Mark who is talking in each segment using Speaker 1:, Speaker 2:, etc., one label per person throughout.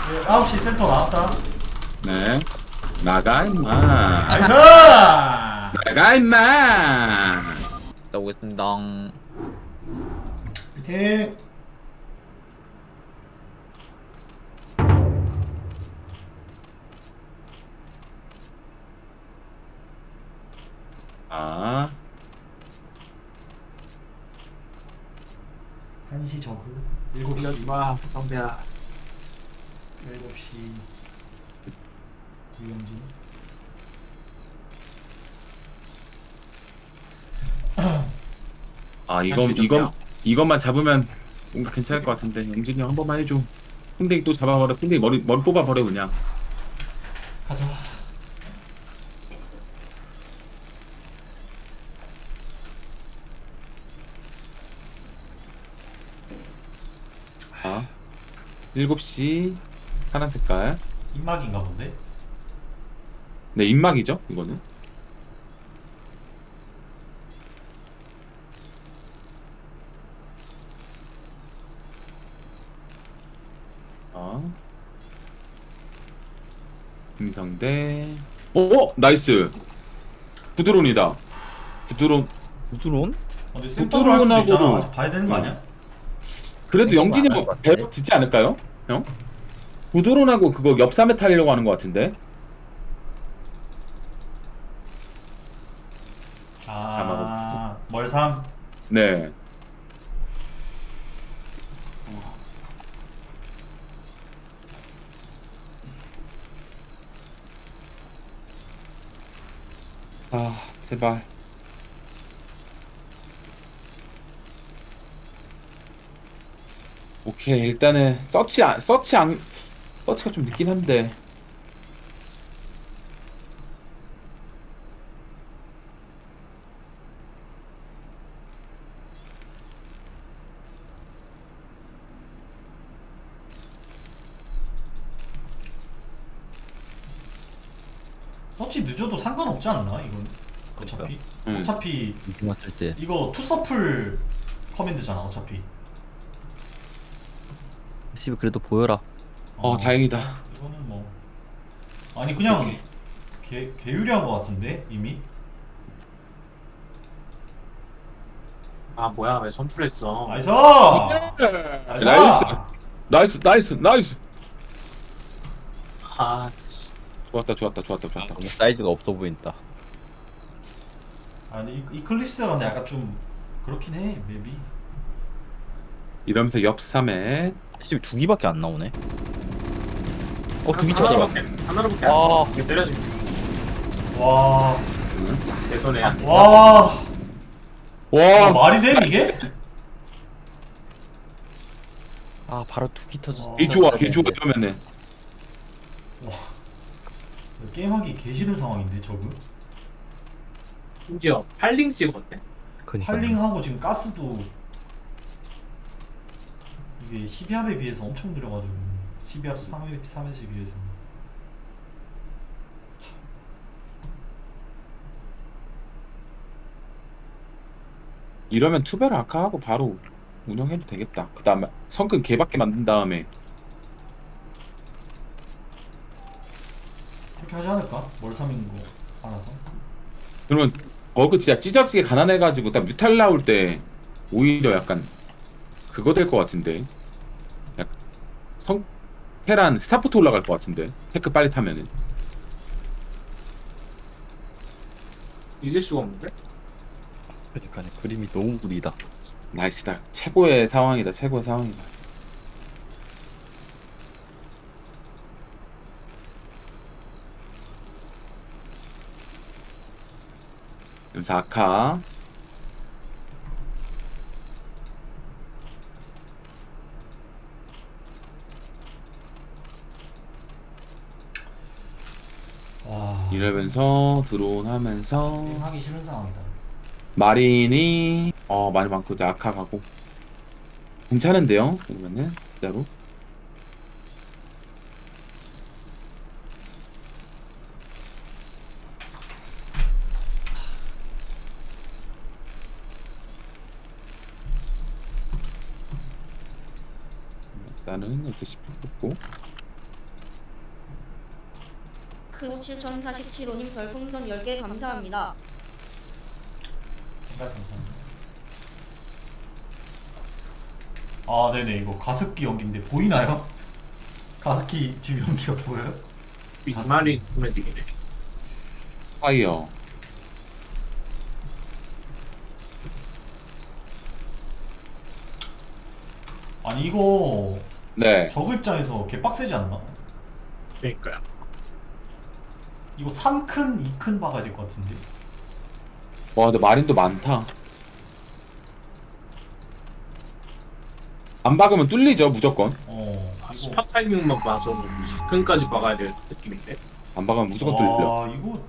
Speaker 1: 9시 센터 나왔다.
Speaker 2: 네. 나가 임마.
Speaker 1: 나이스!
Speaker 2: 나가 임마.
Speaker 3: 나오겠습니다.
Speaker 1: 파이팅!
Speaker 2: 아.
Speaker 1: 1시 저그 7시
Speaker 4: 마 성대야.
Speaker 1: 7시 유영진.
Speaker 2: 아 이것만 잡으면 뭔가 괜찮을 것 같은데 영진이 형 한 번만 해줘. 풍뎅이 또 잡아버려. 풍뎅이 머리 뽑아버려 그냥.
Speaker 1: 가자.
Speaker 2: 아 7시 파란 색깔.
Speaker 1: 입막인가 본데?
Speaker 2: 네 입막이죠 이거는. 김성대. 나이스. 부드론이다. 부드론.
Speaker 3: 부드러운?
Speaker 1: 근데 센터로 할 수도 있잖아.
Speaker 2: 부드러운하고도-
Speaker 1: 아직 봐야 되는 거 아니야?
Speaker 2: 그래도
Speaker 3: 이거
Speaker 2: 영진이
Speaker 3: 안할
Speaker 2: 형
Speaker 3: 것 같은데?
Speaker 2: 배로 짓지 않을까요? 형? 부드론하고 그거 옆삼에 타려고 하는 것 같은데.
Speaker 1: 아, 멀삼.
Speaker 2: 네. 아 제발. 오케이 일단은 서치가 좀 늦긴 한데.
Speaker 1: 서치 늦어도 상관없지 않나 이건? 어차피
Speaker 2: 응.
Speaker 1: 어차피
Speaker 3: 맞을 때.
Speaker 1: 이거 투서풀 커맨드잖아 어차피.
Speaker 3: 씨 그래도 보여라.
Speaker 2: 다행이다.
Speaker 1: 이거는 뭐 아니 그냥 개유리한 거 같은데 이미.
Speaker 4: 아 뭐야 왜 선풀했어?
Speaker 1: 나이스!
Speaker 2: 나이스.
Speaker 4: 아
Speaker 2: 좋았다.
Speaker 3: 너무 사이즈가 없어 보인다.
Speaker 1: 아니 이클립스가 근데 약간 좀 그렇긴 해 맵이.
Speaker 2: 이러면서 옆삼에
Speaker 3: 씨 두 개밖에 안 나오네. 두개
Speaker 4: 하나로밖에
Speaker 3: 쳐들어.
Speaker 4: 하나로밖에
Speaker 3: 아.
Speaker 4: 안 돼. 때려줄게.
Speaker 1: 와.
Speaker 4: 내 손에야.
Speaker 1: 와.
Speaker 2: 와
Speaker 1: 말이 돼 이게?
Speaker 3: 바로 두개 터졌어.
Speaker 2: 개 좋아 이러면은.
Speaker 1: 게임하기 개 싫은 상황인데 저거.
Speaker 4: 심지어 8링 찍었네.
Speaker 1: 팔링하고 지금 가스도 이게 12합에 비해서 엄청 느려가지고 12합 3회에 비해서.
Speaker 2: 이러면 투베르 아카하고 바로 운영해도 되겠다. 그 다음에 성큰 개밖에 만든 다음에
Speaker 1: 그렇게 하지 않을까? 멀삼인 거 알아서.
Speaker 2: 그러면 버그 진짜 찢어지게 가난해가지고 딱 뮤탈 나올 때 오히려 약간 그거 될 것 같은데. 약간 테란 스타포트 올라갈 것 같은데 테크 빨리 타면은.
Speaker 4: 이길 수가 없는데?
Speaker 3: 그러니까 그림이 너무 구리다.
Speaker 2: 나이스다. 최고의 상황이다. 여기서 아카.
Speaker 1: 와.
Speaker 2: 이러면서 드론 하면서
Speaker 1: 게임하기 싫은 상황이다.
Speaker 2: 마린이 많이 많고 이제 아카 가고 괜찮은데요? 그러면은 진짜로. 일단은 어떻게 뽑고
Speaker 5: 크루 7047호님 별풍선 10개 감사합니다.
Speaker 1: 감사합니다. 아 네네 이거 가습기 연기인데 보이나요? 가습기 지금 연기가 보여요?
Speaker 4: 이 말이 보면 되겠네.
Speaker 2: 파이어.
Speaker 1: 아니 이거
Speaker 2: 네.
Speaker 1: 저그 입장에서 개 빡세지 않나?
Speaker 4: 그러니까요.
Speaker 1: 이거 3큰, 2큰 박아야 될 것 같은데.
Speaker 2: 와, 근데 마린도 많다. 안 박으면 뚫리죠, 무조건.
Speaker 1: 이거
Speaker 4: 스팟 타이밍만 봐서 사근까지 박아야 될 느낌인데.
Speaker 2: 안 박으면 무조건 뚫려.
Speaker 1: 이거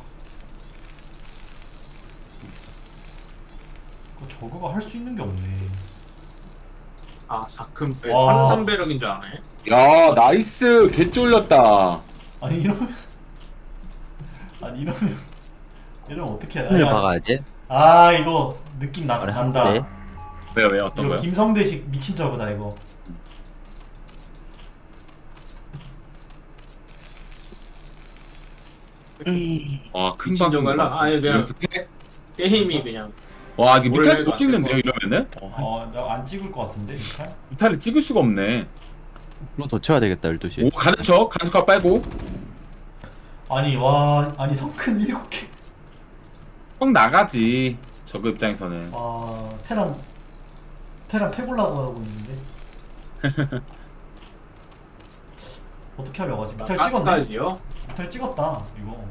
Speaker 1: 저거가 할 수 있는 게 없네.
Speaker 4: 아 사근
Speaker 1: 와.
Speaker 4: 산삼배럭인 줄 아네.
Speaker 2: 야, 나이스. 개 쫄렸다.
Speaker 1: 아니 이러면 이러면 어떻게 해야
Speaker 3: 을
Speaker 1: 돼?
Speaker 3: 박아야지.
Speaker 1: 아 이거 느낌
Speaker 3: 아래 한
Speaker 1: 난다.
Speaker 3: 대.
Speaker 2: 왜요? 어떤
Speaker 1: 이거
Speaker 2: 거요?
Speaker 1: 김성대식 미친 저거다 이거.
Speaker 2: 와, 큰
Speaker 4: 미친
Speaker 2: 방금
Speaker 4: 저걸로?
Speaker 2: 봤어.
Speaker 4: 아예 그냥-
Speaker 2: 연습해?
Speaker 4: 게임이 그냥
Speaker 2: 와, 이게
Speaker 4: 뭘
Speaker 2: 미탈
Speaker 4: 해도
Speaker 2: 또
Speaker 4: 안
Speaker 2: 찍는데요,
Speaker 4: 되고.
Speaker 2: 이러면은?
Speaker 1: 나 안 찍을 것 같은데 미탈?
Speaker 2: 미탈을 찍을 수가 없네.
Speaker 3: 그럼 더 쳐야 되겠다 12시.
Speaker 2: 오, 가는 척 빼고.
Speaker 1: 아니 성큰 7개.
Speaker 2: 형 나가지. 저그 입장에서는.
Speaker 1: 테란 패보려고 하고 있는데. 어떻게 하려고 하지? 미탈 찍었네.
Speaker 4: 가스까지요.
Speaker 1: 미탈 찍었다 이거.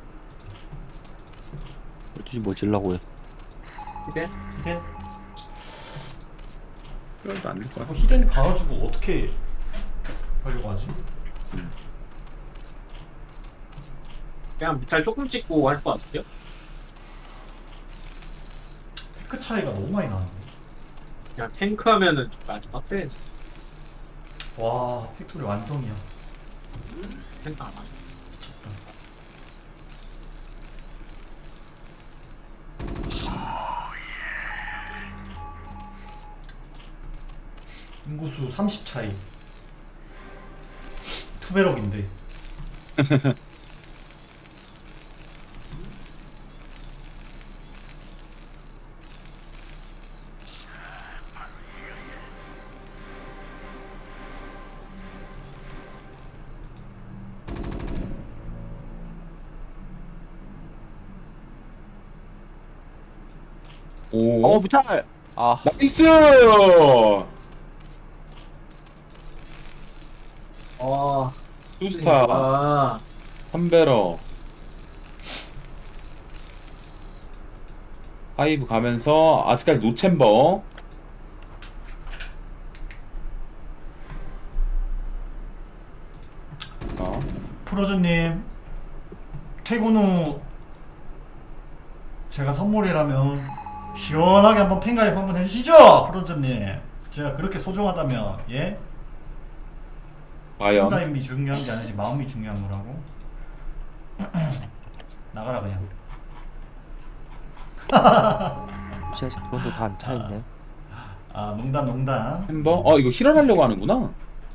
Speaker 3: 12시 뭐 질라고요?
Speaker 4: 근데
Speaker 1: 히덴?
Speaker 2: 그래도 안 될 거야.
Speaker 1: 히덴 가가지고 어떻게 하려고 하지?
Speaker 4: 그냥 미탈 조금 찍고 할 것 같아요.
Speaker 1: 테크 차이가 너무 많이 나는데.
Speaker 4: 그냥 탱크 하면은 좀 많이 빡세.
Speaker 1: 와 팩토리 완성이야.
Speaker 4: 탱크 안 하네.
Speaker 1: 미쳤다. 인구수 30 차이. 투베럭인데.
Speaker 2: 오,
Speaker 3: 미탈. 아,
Speaker 2: 나이스! 투스타,
Speaker 4: 아,
Speaker 2: 3배러. 하이브 가면서 아직까지 노챔버.
Speaker 1: 프로즈님 퇴근 후 제가 선물이라면 시원하게 한번 팬가입 한번 해주시죠 프로즈님. 제가 그렇게 소중하다면 예?
Speaker 2: 과연
Speaker 1: 팬가입이 중요한 게 아니지 마음이 중요한 거라고. 나가라 그냥.
Speaker 3: 아직 돈도 다 안 차있네.
Speaker 1: 농담.
Speaker 2: 챔버? 이거 힐을 하려고 하는구나.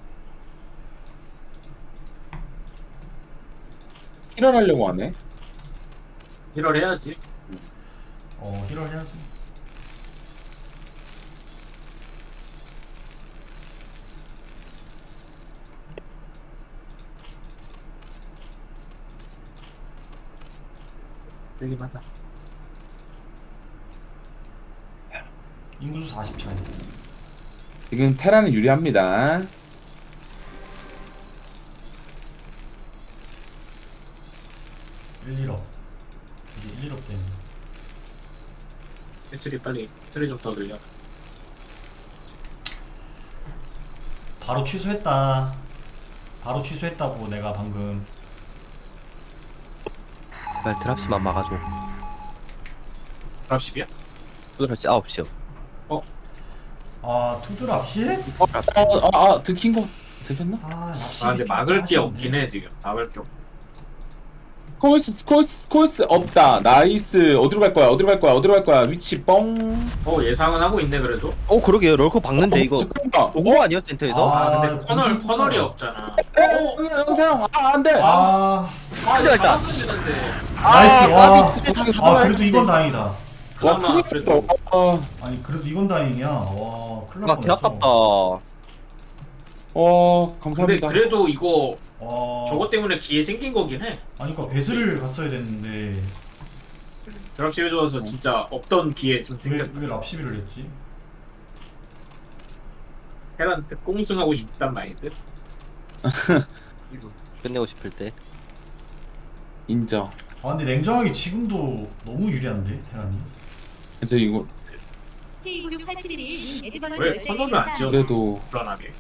Speaker 2: 힐을 하려고 하네.
Speaker 4: 1월 해야지.
Speaker 1: 힐을 해야지.
Speaker 4: 되긴 하다.
Speaker 1: 인구수 40 차이.
Speaker 2: 지금 테라는 유리합니다. 이제
Speaker 1: 1억 때문에.
Speaker 4: 배터리 빨리 배터리 좀 더 늘려.
Speaker 1: 바로 취소했다. 바로 취소했다고 내가 방금.
Speaker 3: 빨리 드랍시만 막아줘.
Speaker 4: 드랍십이야?
Speaker 3: 드랍시 9시요.
Speaker 1: 투드 랍시?
Speaker 2: 들킨 거 들켰나?
Speaker 1: 랍시.
Speaker 4: 근데 막을 게 없긴 해 지금. 막을 게 없.
Speaker 2: 스콜스 없다. 나이스. 어디로 갈 거야? 위치 뻥.
Speaker 4: 예상은 하고 있네 그래도.
Speaker 3: 그러게요. 롤코 박는데 이거
Speaker 2: 잠깐만.
Speaker 3: 오고 아니야 센터에서?
Speaker 4: 근데
Speaker 1: 공중
Speaker 4: 커널이
Speaker 1: 폭설.
Speaker 4: 없잖아.
Speaker 2: 영상. 안 돼.
Speaker 6: 근데 일단
Speaker 4: 되는데.
Speaker 1: 나이스. 와.
Speaker 6: 까비 두개다
Speaker 1: 아
Speaker 6: 잡아야
Speaker 1: 그래도 이건 다행이다.
Speaker 2: 와
Speaker 4: 그나마
Speaker 2: 크게
Speaker 4: 그래도.
Speaker 2: 떴다.
Speaker 1: 아니 그래도 이건 다행이야. 와 큰일 날
Speaker 6: 개
Speaker 1: 뻔했어.
Speaker 6: 아깝다.
Speaker 4: 근데
Speaker 2: 감사합니다.
Speaker 4: 그래도 이거
Speaker 1: 와.
Speaker 4: 저것 때문에 기회 생긴 거긴 해.
Speaker 1: 아니 그니까 배슬을 갔어야 됐는데
Speaker 4: 드랍십에 좋아서 진짜 없던 기회 좀 생겼다.
Speaker 1: 왜 랍시비를 했지?
Speaker 4: 테란한테 꽁승하고 싶단 마인드.
Speaker 6: 끝내고 싶을 때.
Speaker 2: 인정.
Speaker 1: 아 근데 냉정하게 지금도 너무 유리한데 테란이.
Speaker 2: 이제 이거
Speaker 7: K96871님 에드버런
Speaker 4: 왜
Speaker 7: 열쇠
Speaker 4: 선언을 안 지어?
Speaker 2: 그래도
Speaker 4: 불안하게.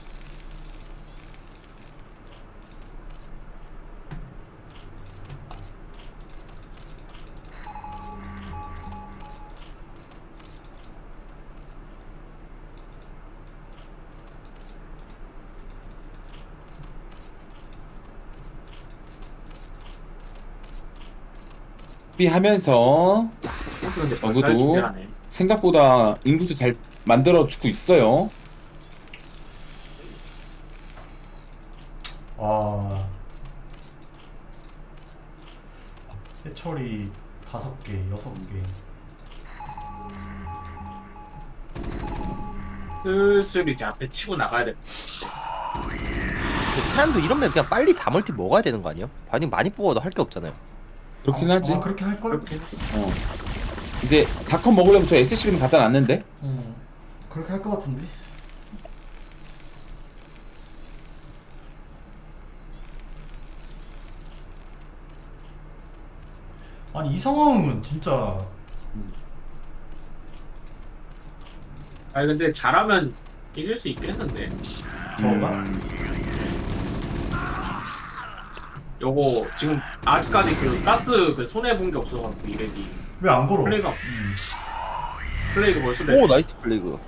Speaker 2: 하면서
Speaker 4: 근데
Speaker 2: 저그도
Speaker 4: 벌써 준비하네.
Speaker 2: 생각보다 인구수 잘 만들어 주고 있어요.
Speaker 1: 와. 해철이 5개, 6개.
Speaker 4: 슬슬 이제 앞에 치고 나가야 돼.
Speaker 6: 사람도 이러면 그냥 빨리 4멀티 먹어야 되는 거 아니에요? 반응 많이 뽑아도 할 게 없잖아요.
Speaker 2: 그렇긴 하지.
Speaker 1: 아 그렇게 할 걸?
Speaker 4: 그렇게
Speaker 2: 어. 이제 4컷 먹으려면 저 SCB는 갖다 놨는데.
Speaker 1: 그렇게 할 것 같은데. 아니 이 상황은 진짜
Speaker 4: 아니 근데 잘하면 이길 수 있겠는데.
Speaker 1: 저가
Speaker 4: 요거 지금 아직까지 그 가스 그 손해 본 게 없어가지고 이래기
Speaker 1: 왜 안 걸어?
Speaker 4: 플레이가
Speaker 1: 음.
Speaker 4: 플레이가 벌써
Speaker 6: 오 나이스 플레이그.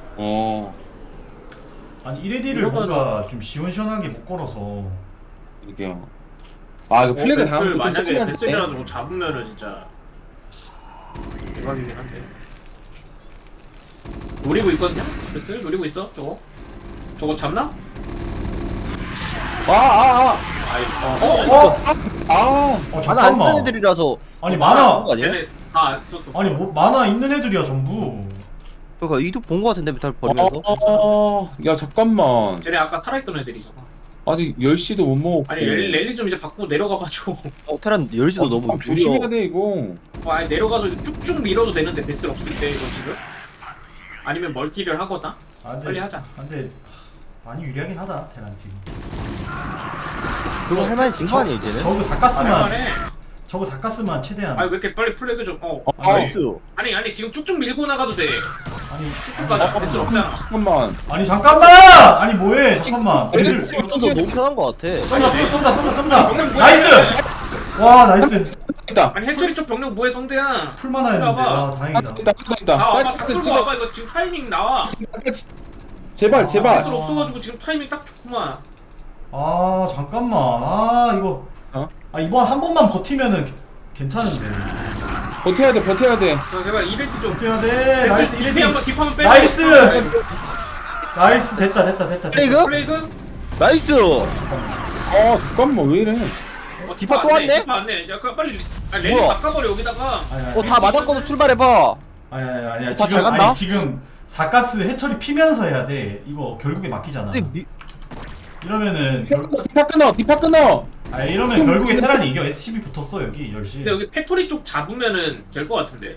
Speaker 1: 아니 1AD를
Speaker 4: 이거는-
Speaker 1: 뭔가 좀 시원시원하게 못 걸어서
Speaker 2: 이게요. 아 이거 플래그
Speaker 4: 베슬
Speaker 2: 당하면 좀
Speaker 4: 만약에
Speaker 2: 짜증나는데.
Speaker 4: 베슬이라도 잡으면은 진짜 대박이긴 한데. 노리고 있거든요? 베슬 노리고 있어 저거 잡나? 아이
Speaker 1: 어
Speaker 6: 하나 안 쓰는
Speaker 1: 잠깐만
Speaker 6: 애들이라서
Speaker 1: 아니
Speaker 6: 하는
Speaker 1: 만화
Speaker 6: 거 아니에요?
Speaker 4: 얘네 다 안 썼어.
Speaker 1: 아니 뭐 만화 있는 애들이야 전부
Speaker 6: 그러니까 이득 본 거 같은데 메탈 버리면서.
Speaker 2: 야 잠깐만.
Speaker 4: 쟤네 아까 살아있던 애들이잖아.
Speaker 2: 아니 10시도 못 먹었고.
Speaker 4: 아니 랠리 좀 이제 바꾸고 내려가가지고
Speaker 6: 테란 10시도 너무
Speaker 2: 좀 조심해야
Speaker 6: 느려.
Speaker 2: 돼 이거.
Speaker 4: 아니 내려가서 쭉쭉 밀어도 되는데 베슬 없을 때 이거 지금? 아니면 멀티를 하거나
Speaker 1: 아, 근데,
Speaker 4: 빨리 하자.
Speaker 1: 근데 많이 유리하긴 하다 테란 지금
Speaker 6: 그거 할만한 진거 아니에요 이제는?
Speaker 1: 저거 사카스만
Speaker 4: 할만해.
Speaker 1: 저거 사카스만 최대한
Speaker 4: 아니 왜 이렇게 빨리 플래그 좀
Speaker 6: 나이스.
Speaker 4: 아니 지금 쭉쭉 밀고 나가도 돼.
Speaker 1: 아니
Speaker 4: 쭉쭉 가자. 베슬 없잖아.
Speaker 2: 잠깐만.
Speaker 1: 아니 잠깐만 아니 뭐해 잠깐만 배슬
Speaker 6: 이것도 너무 편한 거 같아.
Speaker 1: 쏜다 나이스 와 나이스
Speaker 2: 있다.
Speaker 4: 아니 해철이 쪽 병력 뭐해 성대야.
Speaker 1: 풀만화 했는데 아 다행이다
Speaker 2: 있다.
Speaker 4: 나와봐
Speaker 2: 빨리
Speaker 4: 딱
Speaker 2: 찍어.
Speaker 4: 와봐 이거 지금 타이밍 나와.
Speaker 2: 제발 제발.
Speaker 4: 베슬 없어가지고 지금 타이밍 딱 좋구만.
Speaker 1: 아 잠깐만 아 이거 아 이번 한 번만 버티면은 괜찮은데
Speaker 2: 버텨야 돼 버텨야 돼.
Speaker 4: 자 제발 이벤트 좀.
Speaker 1: 버텨야 돼 나이스
Speaker 4: 이벤트
Speaker 1: 1레디
Speaker 4: 한번 딥하면 빼.
Speaker 1: 나이스 나이스 됐다
Speaker 6: 플레이그?
Speaker 4: 플레이그?
Speaker 6: 나이스.
Speaker 2: 잠깐만 왜 이래.
Speaker 6: 디파 또 왔네?
Speaker 4: 디파 왔네. 야 그 빨리 랠리
Speaker 6: 뭐야?
Speaker 4: 바꿔버려 여기다가.
Speaker 6: 다 맞았거든 출발해봐.
Speaker 1: 아니야
Speaker 6: 다
Speaker 1: 지금
Speaker 6: 잘 간다?
Speaker 1: 아니 지금 사가스 해처리 피면서 해야 돼 이거 결국에 막히잖아
Speaker 6: 근데
Speaker 1: 이러면은
Speaker 2: 디파 끊어.
Speaker 1: 아 이러면 결국에 테란이 이겨 SCB 붙었어 여기 10시
Speaker 4: 근데 여기 팩토리 쪽 잡으면은 될 것 같은데.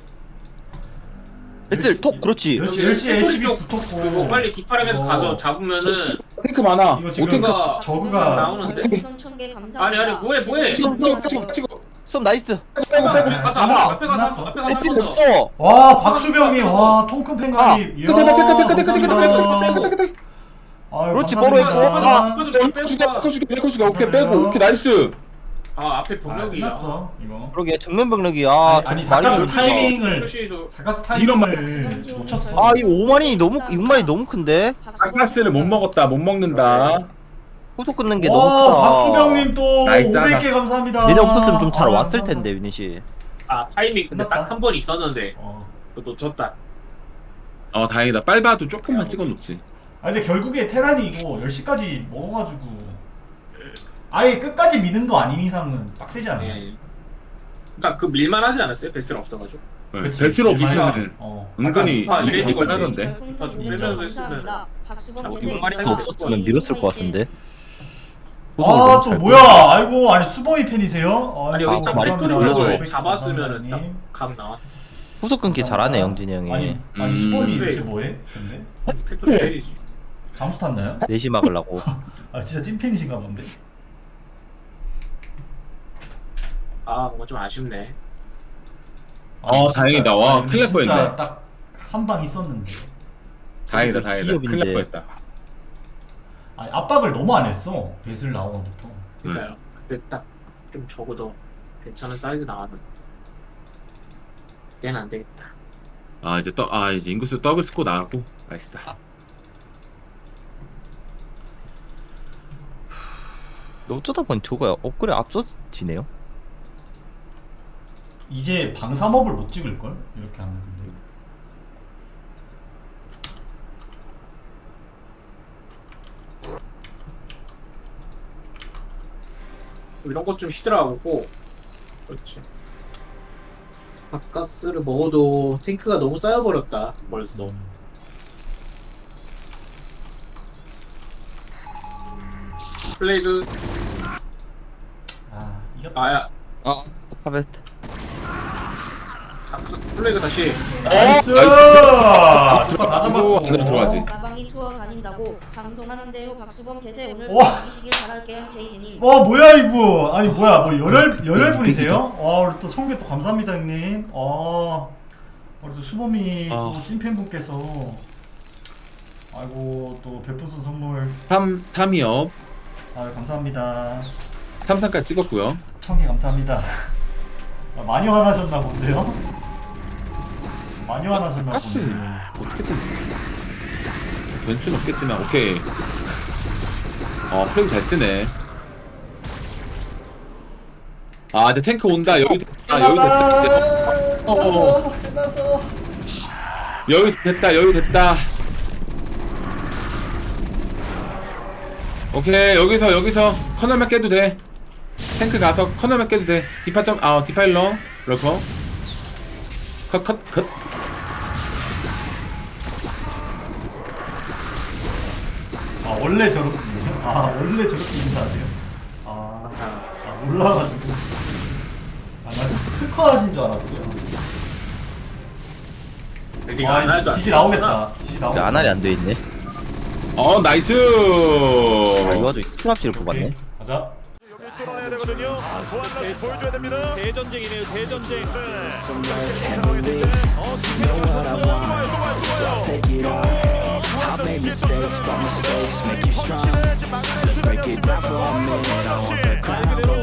Speaker 6: 베슬 톡 그렇지.
Speaker 1: 10시에 SCB 붙었고
Speaker 4: 그리고 빨리 뒷바람에서 가서 잡으면은
Speaker 2: 탱크 많아.
Speaker 1: 이거 지금
Speaker 2: 오탱크.
Speaker 1: 저그가
Speaker 4: 나오는데.
Speaker 5: 별풍선 1000개 감사합니다.
Speaker 4: 아니 뭐해.
Speaker 2: 찍어.
Speaker 6: 썸 나이스.
Speaker 4: 가서 앞에
Speaker 1: 끝났어.
Speaker 4: 가서
Speaker 6: 베슬
Speaker 4: 한번 더.
Speaker 6: 없어.
Speaker 1: 와 박수병님 와 통큰 팬가입 이야 감사합니다 아유
Speaker 6: 그렇지,
Speaker 1: 감사합니다
Speaker 2: 빼고 오케이 빼고 오케이 나이스.
Speaker 4: 아 앞에
Speaker 1: 아
Speaker 4: 병력이야.
Speaker 1: 끝났어 이거
Speaker 6: 그러게 정면 병력이야.
Speaker 1: 아니
Speaker 6: 좀
Speaker 1: 사가스
Speaker 6: 많이
Speaker 1: 타이밍을
Speaker 4: 표시도
Speaker 1: 사가스
Speaker 2: 이런
Speaker 1: 타이밍을 놓쳤어
Speaker 6: 아 이거 6만이 너무 큰데.
Speaker 2: 사가스를 못 먹었다 못 먹는다.
Speaker 6: 후속 끊는 게 너무
Speaker 1: 와
Speaker 6: 크다.
Speaker 1: 박수병님 또
Speaker 2: 나이스
Speaker 1: 500개 감사합니다
Speaker 6: 얘네 없었으면 좀 잘
Speaker 1: 아,
Speaker 6: 왔을
Speaker 1: 감사합니다.
Speaker 6: 텐데 유닛 씨.
Speaker 4: 아 타이밍 근데
Speaker 1: 끝났다.
Speaker 4: 딱 한 번 있었는데
Speaker 1: 어.
Speaker 4: 그거 놓쳤다.
Speaker 2: 다행이다. 빨바도 조금만 찍어 놓지.
Speaker 1: 아 근데 결국에 테란이 이거 10시까지 먹어가지고 아예 끝까지 미는 거 아닌 이상은 빡세지 않아요?
Speaker 4: 예. 그러니까 그 밀만 하지 않았어요? 베스가 없어가지고.
Speaker 1: 그치.
Speaker 2: 벨트로
Speaker 1: 얼마나
Speaker 2: 없으면
Speaker 1: 어.
Speaker 2: 은근히
Speaker 4: 아, 이래
Speaker 2: 빡세긴
Speaker 4: 이거네.
Speaker 2: 하던데.
Speaker 5: 별풍선
Speaker 4: 아,
Speaker 5: 500개
Speaker 4: 좀
Speaker 5: 감사합니다. 박수범
Speaker 4: 자,
Speaker 5: 개세
Speaker 4: 이거
Speaker 5: 감사합니다.
Speaker 3: 없었으면 밀었을 것 같은데.
Speaker 1: 아 또 뭐야? 아이고 아니 수범이 팬이세요?
Speaker 4: 아니 여기
Speaker 3: 아,
Speaker 4: 딱
Speaker 3: 말이
Speaker 4: 팩토리
Speaker 3: 올려줘.
Speaker 4: 쪽을 잡았으면은 딱각 나와.
Speaker 6: 후속 끊기 잘하네 영진이 형이.
Speaker 1: 아니 수범이
Speaker 4: 네.
Speaker 1: 이렇게 뭐해? 근데
Speaker 4: 팩토리 때리지.
Speaker 1: 잠수 탔나요?
Speaker 6: 내시 막으려고.
Speaker 1: 아 진짜 찐팬이신가 본데.
Speaker 4: 아 뭔가 좀 아쉽네.
Speaker 1: 아니,
Speaker 2: 다행이다. 와,
Speaker 1: 아니,
Speaker 2: 큰일 날
Speaker 1: 진짜
Speaker 2: 뻔했네.
Speaker 1: 딱 한 방 있었는데.
Speaker 2: 다행이다 다행이다.
Speaker 6: 기업인데.
Speaker 2: 큰일 날 뻔했다.
Speaker 1: 아니 압박을 너무 안 했어. 배슬 나오는부터.
Speaker 4: 그러니까요. 그때 딱 좀 적어도 괜찮은 사이즈 나왔는데. 얘는 안 되겠다.
Speaker 2: 아 이제 인구수 더블 스코 나왔고 나이스다.
Speaker 6: 어쩌다 보니 저거야 업그레이드 앞서지네요.
Speaker 1: 이제 방사업을 못 찍을 걸 이렇게 하면 근데.
Speaker 4: 이런 것 좀 히드라하고. 그렇지. 바카스를 먹어도 탱크가 너무 쌓여버렸다 벌써. 플레이그
Speaker 1: 아 이겼다.
Speaker 4: 아야
Speaker 6: 아 파벳.
Speaker 4: 플레이그 다시.
Speaker 1: 나이스! 누가 다
Speaker 2: 아이고, 안으로
Speaker 1: 잡았고.
Speaker 2: 들어가지.
Speaker 5: 가방이 투어 다닌다고 방송하는데요. 박수범 개세 오늘
Speaker 1: 와.
Speaker 5: 이기시길 바랄게요. 제이님.
Speaker 1: 와 뭐야 이분? 아니 뭐야 뭐 열혈 분이세요? 우리 또 성계 또 감사합니다 형님. 우리 또 수범이 또 찐팬 분께서 아이고 또 별풍선 선물
Speaker 2: 3이요.
Speaker 1: 감사합니다.
Speaker 2: 3상까지 찍었고요.
Speaker 1: 1000개 감사합니다. 많이 화나셨나 본데요? 많이 화나셨나
Speaker 2: 가스
Speaker 1: 본데.
Speaker 2: 어떻게든 될 수는 없겠지만 오케이. 플레이 잘 쓰네. 이제 탱크 온다. 여유 됐다. 여유 됐다. 이제.
Speaker 1: 끝났어.
Speaker 2: 여유 됐다. 오케이 여기서 커널만 깨도 돼. 탱크 가서 커널만 깨도 돼. 디파일러 럴커 컷.
Speaker 1: 원래 저렇군요. 원래 저렇게 인사하세요. 몰라가지고. 나 특허 하신 줄 알았어요.
Speaker 4: 레디가 안 할도
Speaker 1: 지지 나오겠다. 지지 나오겠다.
Speaker 6: 아날이 안 돼 있네.
Speaker 2: 나이스.
Speaker 6: 이 와중에 스트랍시를 뽑았네.
Speaker 1: 오케이, 가자.
Speaker 7: 뚫어야 되거든요. 보안라인 보여줘야 됩니다. 대전쟁이네요. 대전쟁. 상황에서 이제
Speaker 8: Take it on. I made mistakes, but mistakes make you strong. Let's break it down for a minute. I want the crown.